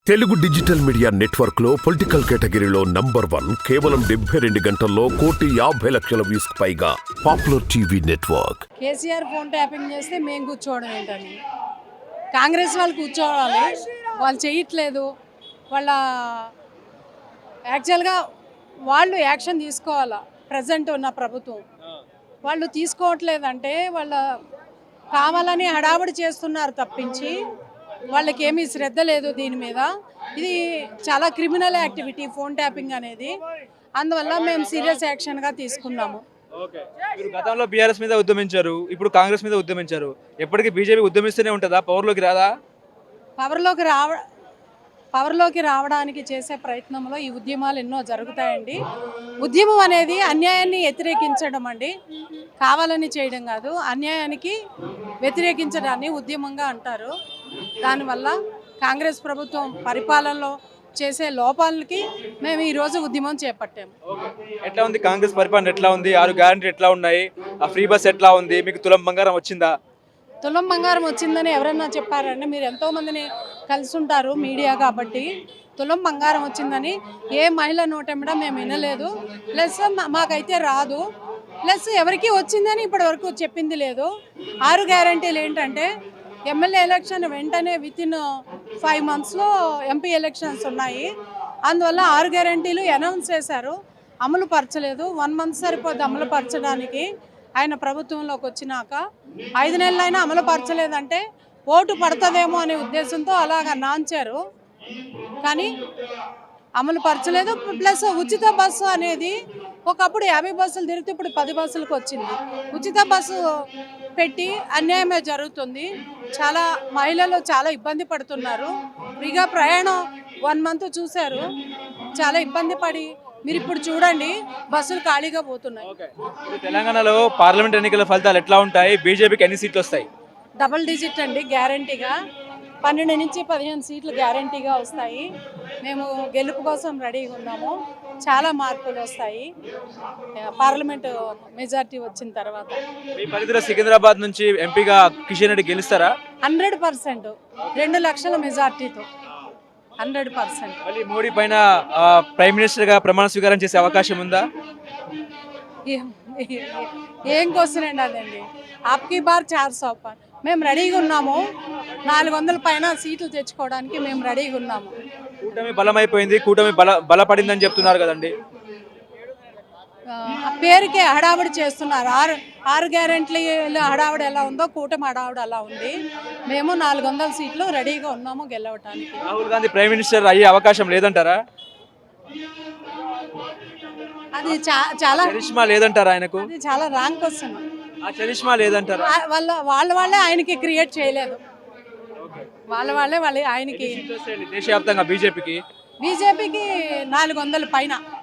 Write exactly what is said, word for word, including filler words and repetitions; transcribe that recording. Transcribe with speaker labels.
Speaker 1: Telugu digital media network లో political కేటగిరీలో number one కేవలం డెబ్బై రెండు గంటల్లో కోటి యాభై లక్షల వ్యూస్ పైగా popular TV network.
Speaker 2: KCR phone tapping చేస్తే మేము కూర్చోవడం ఏంటని, కాంగ్రెస్ వాళ్ళు కూర్చోవాలి, వాళ్ళు చేయట్లేదు. వాళ్ళ యాక్చువల్గా వాళ్ళు యాక్షన్ తీసుకోవాలా, ప్రజెంట్ ఉన్న ప్రభుత్వం వాళ్ళు తీసుకోవట్లేదంటే వాళ్ళ కావాలని హడావుడి చేస్తున్నారు తప్పించి వాళ్ళకి ఏమీ శ్రద్ధ లేదు దీని మీద. ఇది చాలా క్రిమినల్ యాక్టివిటీ ఫోన్ ట్యాపింగ్ అనేది, అందువల్ల మేము సీరియస్ యాక్షన్గా తీసుకున్నాము.
Speaker 3: మీరు గతంలో బీఆర్ఎస్ మీద ఉద్యమించారు, ఇప్పుడు కాంగ్రెస్ మీద ఉద్యమించారు. ఎప్పటికీ బీజేపీ ఉద్యమిస్తూనే ఉంటుందా? పవర్లోకి రాదా?
Speaker 2: పవర్లోకి రావ పవర్లోకి రావడానికి చేసే ప్రయత్నంలో ఈ ఉద్యమాలు ఎన్నో జరుగుతాయండి. ఉద్యమం అనేది అన్యాయాన్ని వ్యతిరేకించడం అండి, కావాలని చేయడం కాదు. అన్యాయానికి వ్యతిరేకించడాన్ని ఉద్యమంగా అంటారు. దానివల్ల కాంగ్రెస్ ప్రభుత్వం పరిపాలనలో చేసే లోపాలకి మేము ఈరోజు ఉద్యమం చేపట్టాము.
Speaker 3: ఎట్లా ఉంది కాంగ్రెస్ పరిపాలన? ఎట్లా ఉంది? ఆరు గ్యారంటీ ఎట్లా ఉన్నాయి? ఆ ఫ్రీ బస్ ఎట్లా ఉంది? మీకు తులం బంగారం వచ్చిందా?
Speaker 2: తులం బంగారం వచ్చిందని ఎవరైనా చెప్పారండి? మీరు ఎంతోమందిని కలిసి ఉంటారు మీడియా కాబట్టి. తులం బంగారం వచ్చిందని ఏ మహిళ నోటెమ్మడా మేము వినలేదు. ప్లస్ మాకైతే రాదు. ప్లస్ ఎవరికి వచ్చిందని ఇప్పటి వరకు చెప్పింది లేదు. ఆరు గ్యారంటీలు ఏంటంటే ఎమ్మెల్యే ఎలక్షన్ వెంటనే విత్ ఇన్ ఫైవ్ మంత్స్లో ఎంపీ ఎలక్షన్స్ ఉన్నాయి. అందువల్ల ఆరు గ్యారంటీలు అనౌన్స్ చేశారు, అమలు పరచలేదు. వన్ మంత్ సరిపోద్ది అమలు పరచడానికి. ఆయన ప్రభుత్వంలోకి వచ్చినాక ఐదు నెలలైనా అమలు పరచలేదంటే ఓటు పడుతుందేమో అనే ఉద్దేశంతో అలాగ నాంచారు, కానీ అమలు పరచలేదు. ప్లస్ ఉచిత బస్సు అనేది ఒకప్పుడు యాభై బస్సులు తిరిగితే ఇప్పుడు పది బస్సులకు వచ్చింది. ఉచిత బస్సు పెట్టి అన్యాయమే జరుగుతుంది. చాలా మహిళలు చాలా ఇబ్బంది పడుతున్నారు. ఫ్రీగా ప్రయాణం వన్ మంత్ చూశారు, చాలా ఇబ్బంది పడి మీరు ఇప్పుడు చూడండి బస్సులు ఖాళీగా పోతున్నాయి.
Speaker 3: తెలంగాణలో పార్లమెంట్ ఎన్నికల ఫలితాలు ఎట్లా ఉంటాయి? బీజేపీకి ఎన్ని సీట్లు వస్తాయి?
Speaker 2: డబుల్ డిజిట్ అండి, గ్యారంటీగా పన్నెండు నుంచి పదిహేను సీట్లు గ్యారంటీగా వస్తాయి. మేము గెలుపు కోసం రెడీగా ఉన్నాము. చాలా మార్పులు వస్తాయి పార్లమెంటు మెజార్టీ వచ్చిన తర్వాత.
Speaker 3: మీ పరిధిలో సికింద్రాబాద్ నుంచి ఎంపీగా కిషన్ రెడ్డి గెలుస్తారా?
Speaker 2: హండ్రెడ్ పర్సెంట్ రెండు లక్షల మెజార్టీతో హండ్రెడ్ పర్సెంట్.
Speaker 3: మళ్ళీ మోడీ పైన ప్రైమ్ మినిస్టర్గా ప్రమాణ స్వీకారం చేసే అవకాశం ఉందా?
Speaker 2: ఏం క్వశ్చన్ అండి అదండి. ఆప్కి బార్ చార్ సో పార్ మేము రెడీగా ఉన్నాము. నాలుగు వందల పైన సీట్లు తెచ్చుకోవడానికి మేము రెడీగా ఉన్నాము.
Speaker 3: కూటమి బలమైపోయింది, కూటమి బల బలపడిందని చెప్తున్నారు కదండి.
Speaker 2: ఆ పేరుకే హడావుడి చేస్తున్నారు. ఆరు ఆరు గ్యారెంటీలు హడావుడి ఎలా ఉందో కూటమి హడావుడి అలా ఉంది. మేము నాలుగు వందల సీట్లు రెడీగా ఉన్నాము గెలవటానికి.
Speaker 3: రాహుల్ గాంధీ ప్రైమ్ మినిస్టర్ అయ్యే అవకాశం లేదంటారా?
Speaker 2: అది చాలా
Speaker 3: చరిష్మా లేదంటారా ఆయనకు?
Speaker 2: అది చాలా రాంగ్ క్వశ్చన్.
Speaker 3: ఆ చరిష్మా లేదంటారా?
Speaker 2: వాళ్ళ వాళ్ళ వాళ్ళే ఆయనకి క్రియేట్ చేయలేదు. వాళ్ళ వాళ్ళే వాళ్ళే ఆయనకి
Speaker 3: దేశవ్యాప్తంగా బీజేపీకి
Speaker 2: బీజేపీకి నాలుగు వందల పైన